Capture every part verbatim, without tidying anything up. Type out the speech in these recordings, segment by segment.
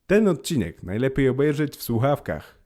Ten odcinek najlepiej obejrzeć w słuchawkach.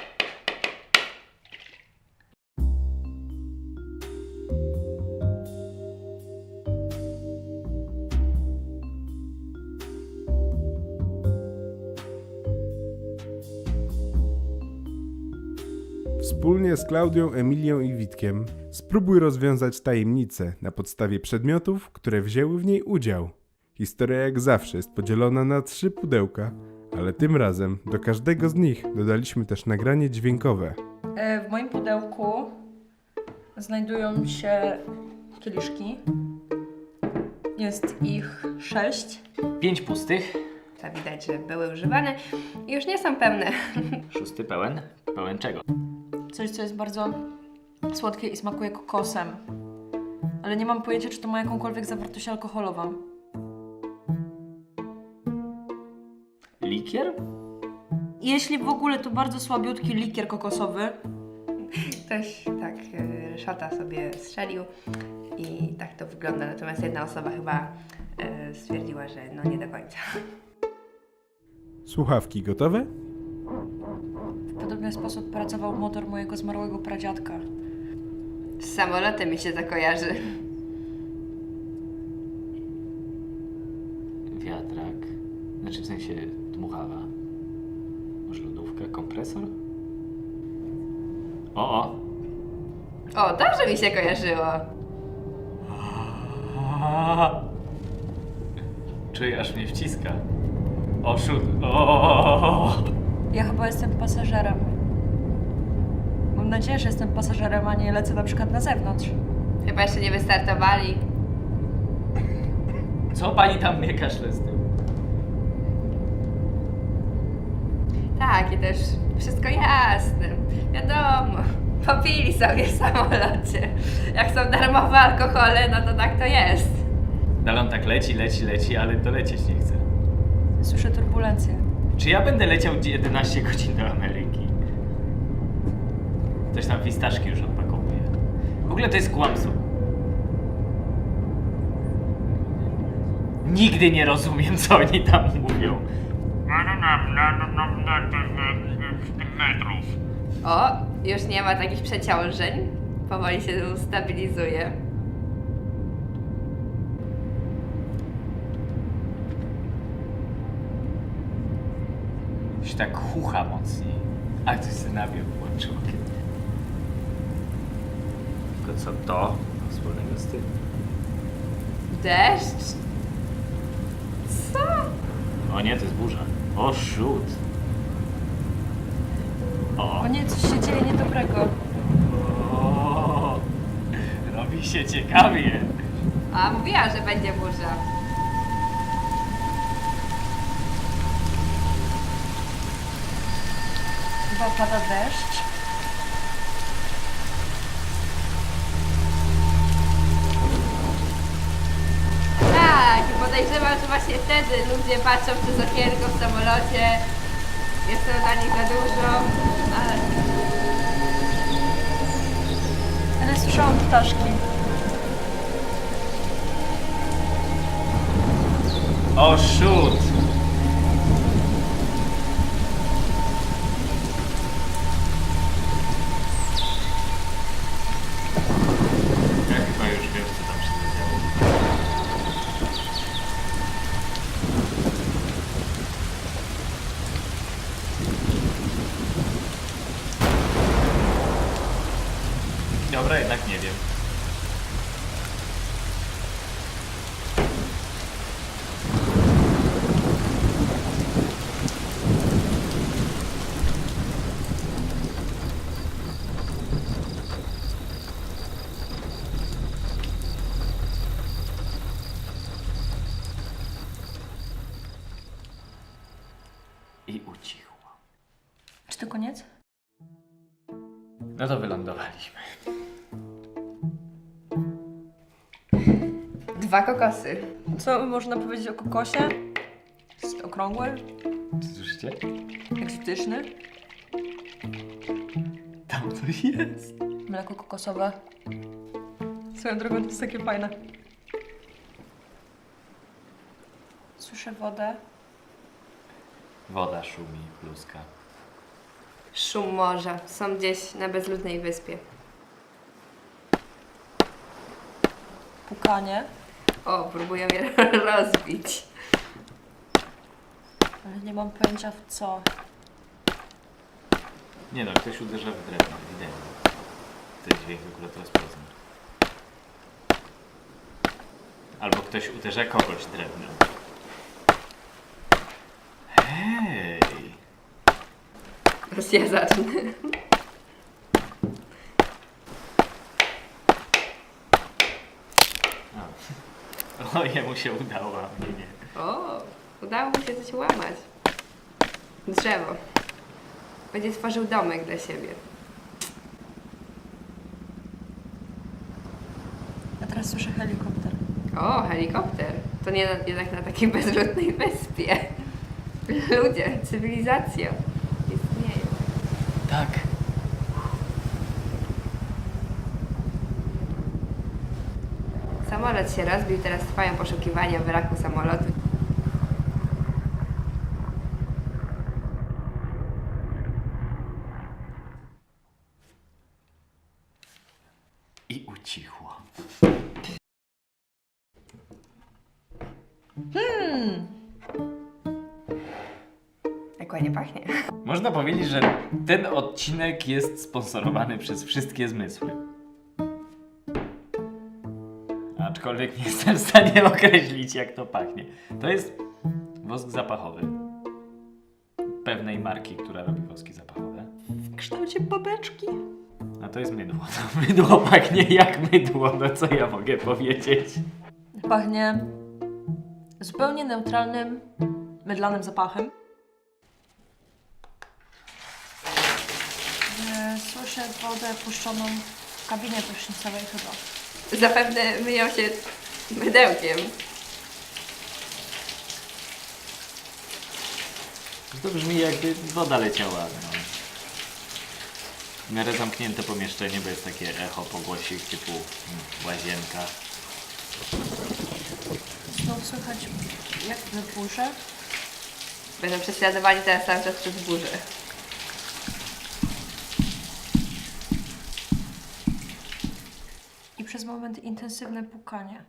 Wspólnie z Klaudią, Emilią i Witkiem spróbuj rozwiązać tajemnicę na podstawie przedmiotów, które wzięły w niej udział. Historia jak zawsze jest podzielona na trzy pudełka, ale tym razem do każdego z nich dodaliśmy też nagranie dźwiękowe. W moim pudełku znajdują się kieliszki. Jest ich sześć. Pięć pustych, To widać, że były używane i już nie są pełne. szósty pełen. Pełen czego? Coś, co jest bardzo słodkie i smakuje kokosem. Ale nie mam pojęcia, czy to ma jakąkolwiek zawartość alkoholową. Likier? Jeśli w ogóle, to bardzo słabiutki likier kokosowy. Ktoś tak y, szota sobie strzelił i tak to wygląda. Natomiast jedna osoba chyba y, stwierdziła, że no nie do końca. Słuchawki gotowe? W podobny sposób pracował motor mojego zmarłego pradziadka. Z samolotem mi się to kojarzy. Wiatrak. Znaczy w sensie dmuchawa. Może lodówka, kompresor? O, o! O, dobrze mi się kojarzyło. Czuję, aż mnie wciska. O, szut. O! Ja chyba jestem pasażerem. Mam nadzieję, że jestem pasażerem, a nie lecę na przykład na zewnątrz. Chyba jeszcze nie wystartowali. Co pani tam mnie kaszle z tym? Tak, i też wszystko jasne. Wiadomo, popili sobie w samolocie. Jak są darmowe alkohole, no to tak to jest. Dalon tak leci, leci, leci, ale dolecieć nie chce. Słyszę turbulencję. Czy ja będę leciał jedenaście godzin do Ameryki? Ktoś tam fistaszki już odpakowuje. W ogóle to jest kłamstwo. Nigdy nie rozumiem, co oni tam mówią. metrów. O, już nie ma takich przeciążeń. Powoli się stabilizuje. Już tak chucha mocniej. A ktoś sobie nabił włączył. Tylko co to wspólnego z tym? Deszcz? Co? O nie, to jest burza. O, szut. O. O nie, coś się dzieje niedobrego. O. Robi się ciekawie. A, mówiła, że będzie burza. Chyba pada deszcz. Tak, podejrzewam, że właśnie wtedy ludzie patrzą przez okienko w samolocie. Jest to dla nich za dużo, ale... Ale słyszałam ptaszki. O, szut. Ja chyba już wiem, co tam się zadziało. Dobra, jednak nie wiem. I ucichło. Czy to koniec? No to wylądowaliśmy. Dwa kokosy. Co można powiedzieć o kokosie? Jest okrągły, Słyszycie? egzotyczny, Tam coś jest. mleko kokosowe. Swoją drogą to jest takie fajne. Słyszę wodę. Woda szumi, pluska. Szum morza. Są gdzieś na bezludnej wyspie. Pukanie, O, próbują je rozbić. ale nie mam pojęcia w co. Nie no, ktoś uderza w drewno, ewidentnie. Ten dźwięk akurat rozpoznam. Albo ktoś uderza kogoś drewnem. Hej! Teraz ja zacznę. O, o jemu się udało, a mnie nie. O, udało mu się coś łamać. Drzewo. Będzie tworzył domek dla siebie. Ja teraz słyszę helikopter. O, helikopter. To nie na, jednak na takiej bezludnej wyspie. Ludzie, cywilizacja istnieje. Tak. Samolot się rozbił, teraz trwają poszukiwania wraku samolotu. I ucichło. Jak ładnie pachnie. Można powiedzieć, że ten odcinek jest sponsorowany przez wszystkie zmysły. Aczkolwiek nie jestem w stanie określić, jak to pachnie. To jest wosk zapachowy pewnej marki, która robi woski zapachowe. W kształcie babeczki. A to jest mydło. To mydło pachnie jak mydło, no co ja mogę powiedzieć? Pachnie zupełnie neutralnym, mydlanym zapachem. E, Słyszę wodę puszczoną w kabinie prysznicowej chyba. Zapewne myją się mydełkiem. To brzmi jakby woda leciała. No. W miarę zamknięte pomieszczenie, bo jest takie echo pogłosik typu mm, łazienka. Znów słychać jak w burzy. Będą prześladowani teraz cały czas przez burzę. I przez moment intensywne pukanie.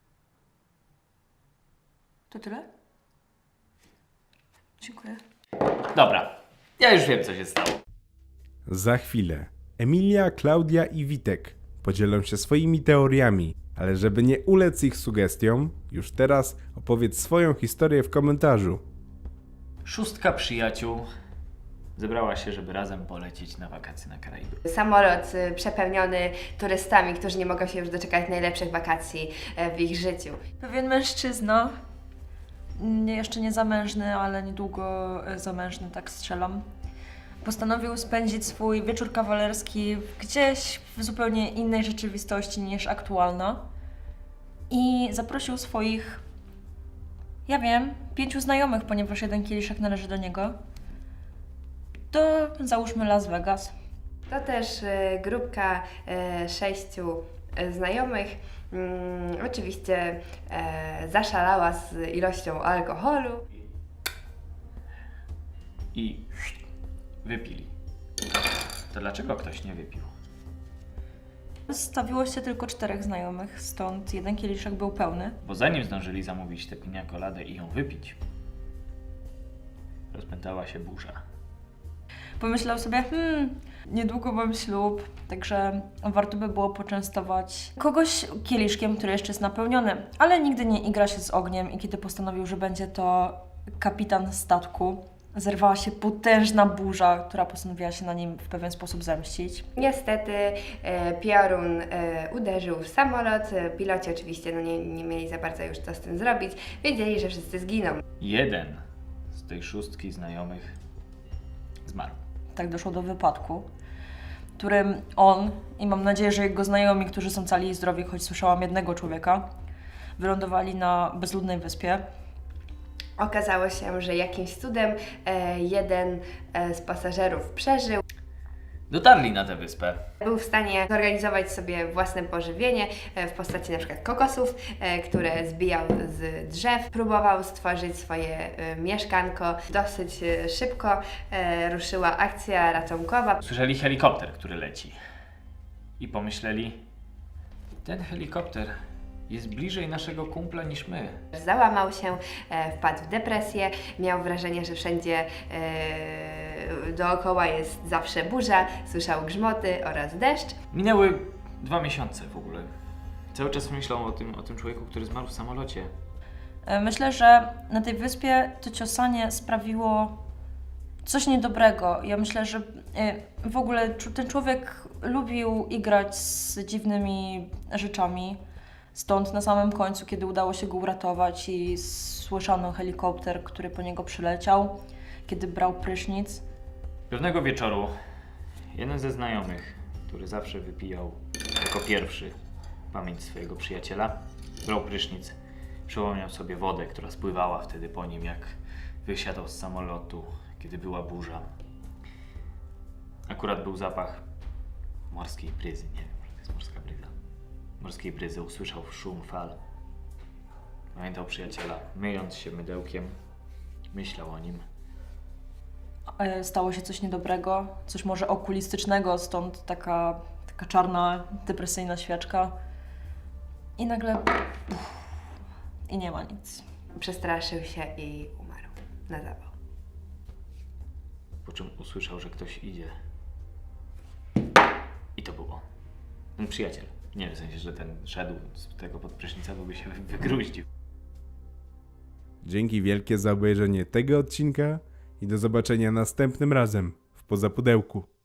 To tyle? Dziękuję. Dobra, ja już wiem, co się stało. Za chwilę Emilia, Klaudia i Witek podzielą się swoimi teoriami, ale żeby nie ulec ich sugestiom, już teraz opowiedz swoją historię w komentarzu. Szóstka przyjaciół zebrała się, żeby razem polecieć na wakacje na Karaiby. Samolot y, przepełniony turystami, którzy nie mogą się już doczekać najlepszych wakacji e, w ich życiu. Pewien mężczyzna, nie, jeszcze nie zamężny, ale niedługo e, zamężny, tak strzelam, postanowił spędzić swój wieczór kawalerski gdzieś w zupełnie innej rzeczywistości niż aktualna i zaprosił swoich, ja wiem, pięciu znajomych, ponieważ jeden kieliszek należy do niego, do, załóżmy, Las Vegas. To też e, grupka e, sześciu e, znajomych. Mm, oczywiście e, zaszalała z ilością alkoholu. I wypili. To dlaczego ktoś nie wypił? Stawiło się tylko czterech znajomych, stąd jeden kieliszek był pełny. Bo zanim zdążyli zamówić tę pinia coladę i ją wypić, rozpętała się burza. Pomyślał sobie, hmm, niedługo mam ślub, także warto by było poczęstować kogoś kieliszkiem, który jeszcze jest napełniony. Ale nigdy nie igra się z ogniem i kiedy postanowił, że będzie to kapitan statku, zerwała się potężna burza, która postanowiła się na nim w pewien sposób zemścić. Niestety e, piorun e, uderzył w samolot. E, Piloci oczywiście no nie, nie mieli za bardzo już co z tym zrobić. Wiedzieli, że wszyscy zginą. Jeden z tej szóstki znajomych zmarł. Tak doszło do wypadku, w którym on i mam nadzieję, że jego znajomi, którzy są cali i zdrowi, choć słyszałam jednego człowieka, wylądowali na bezludnej wyspie. Okazało się, że jakimś cudem e, jeden e, z pasażerów przeżył. Dotarli na tę wyspę. Był w stanie zorganizować sobie własne pożywienie e, w postaci na przykład kokosów, e, które zbijał z drzew. Próbował stworzyć swoje e, mieszkanko. Dosyć e, szybko e, ruszyła akcja ratunkowa. Słyszeli helikopter, który leci. I pomyśleli, ten helikopter jest bliżej naszego kumpla niż my. Załamał się, e, wpadł w depresję, miał wrażenie, że wszędzie e, dookoła jest zawsze burza, słyszał grzmoty oraz deszcz. Minęły dwa miesiące w ogóle. Cały czas myślał o tym, o tym człowieku, który zmarł w samolocie. E, Myślę, że na tej wyspie to ciosanie sprawiło coś niedobrego. Ja myślę, że e, w ogóle czu- ten człowiek lubił igrać z dziwnymi rzeczami. Stąd na samym końcu, kiedy udało się go uratować i słyszano helikopter, który po niego przyleciał, kiedy brał prysznic. Pewnego wieczoru jeden ze znajomych, który zawsze wypijał jako pierwszy pamięć swojego przyjaciela, brał prysznic, przypomniał sobie wodę, która spływała wtedy po nim, jak wysiadał z samolotu, kiedy była burza. Akurat był zapach morskiej bryzy, nie wiem, że to jest morska bryza. Morskiej bryzy, usłyszał szum fal. Pamiętał przyjaciela, myjąc się mydełkiem, myślał o nim. E, Stało się coś niedobrego, coś może okulistycznego, stąd taka, taka czarna, depresyjna świeczka. I nagle... uff, i nie ma nic. Przestraszył się i umarł na zawał. Po czym usłyszał, że ktoś idzie. I to był on. Ten przyjaciel. Nie w sensie, że ten szedł z tego pod prysznica, bo by się wy- wygruździł. Dzięki wielkie za obejrzenie tego odcinka i do zobaczenia następnym razem w Poza Pudełku.